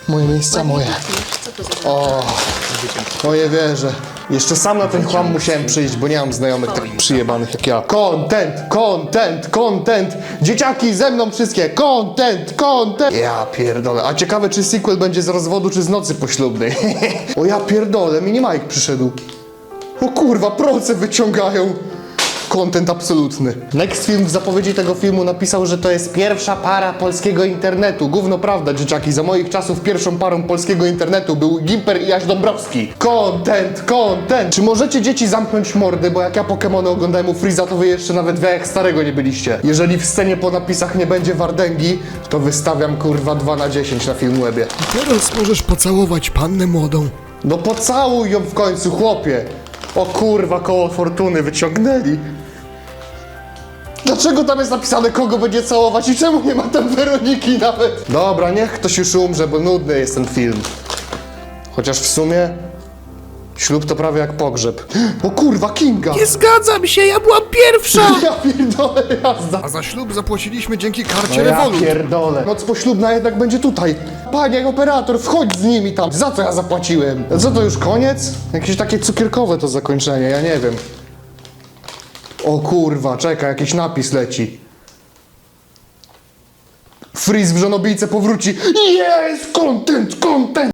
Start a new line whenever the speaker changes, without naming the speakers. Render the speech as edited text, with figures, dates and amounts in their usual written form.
Moje miejsca, moje. O, no nie wierzę. Jeszcze sam na ten chłam musiałem przyjść, bo nie mam znajomych takich przyjebanych jak ja. Content, content, content. Dzieciaki ze mną wszystkie. Content, content. Ja pierdolę. A ciekawe, czy sequel będzie z rozwodu, czy z nocy poślubnej. O ja pierdolę, Mini Mike przyszedł. O kurwa, proce wyciągają. Content absolutny. Next Film w zapowiedzi tego filmu napisał, że to jest pierwsza para polskiego internetu. Gówno prawda, dzieciaki. Za moich czasów pierwszą parą polskiego internetu był Gimper i Jaś Dąbrowski. Content, content. Czy możecie dzieci zamknąć mordy, bo jak ja Pokemony oglądałem u Freeza, to wy jeszcze nawet jak starego nie byliście. Jeżeli w scenie po napisach nie będzie Wardęgi, to wystawiam kurwa 2 na 10 na Filmwebie.
Teraz możesz pocałować pannę młodą.
No pocałuj ją w końcu, chłopie. O kurwa, koło fortuny wyciągnęli. Dlaczego tam jest napisane, kogo będzie całować i czemu nie ma tam Weroniki nawet? Dobra, niech ktoś już umrze, bo nudny jest ten film. Chociaż w sumie ślub to prawie jak pogrzeb. O kurwa, Kinga!
Nie zgadzam się, ja byłam pierwsza!
Ja pierdolę, jazda!
A za ślub zapłaciliśmy dzięki
No
karcie
ja
Revolut.
pierdolę. Noc poślubna jednak będzie tutaj. Panie operator, wchodź z nimi tam. Za co ja zapłaciłem? Co to już koniec? Jakieś takie cukierkowe to zakończenie, ja nie wiem. O kurwa, czekaj, jakiś napis leci. Freeze w żonobijce powróci. Jest! Content, content!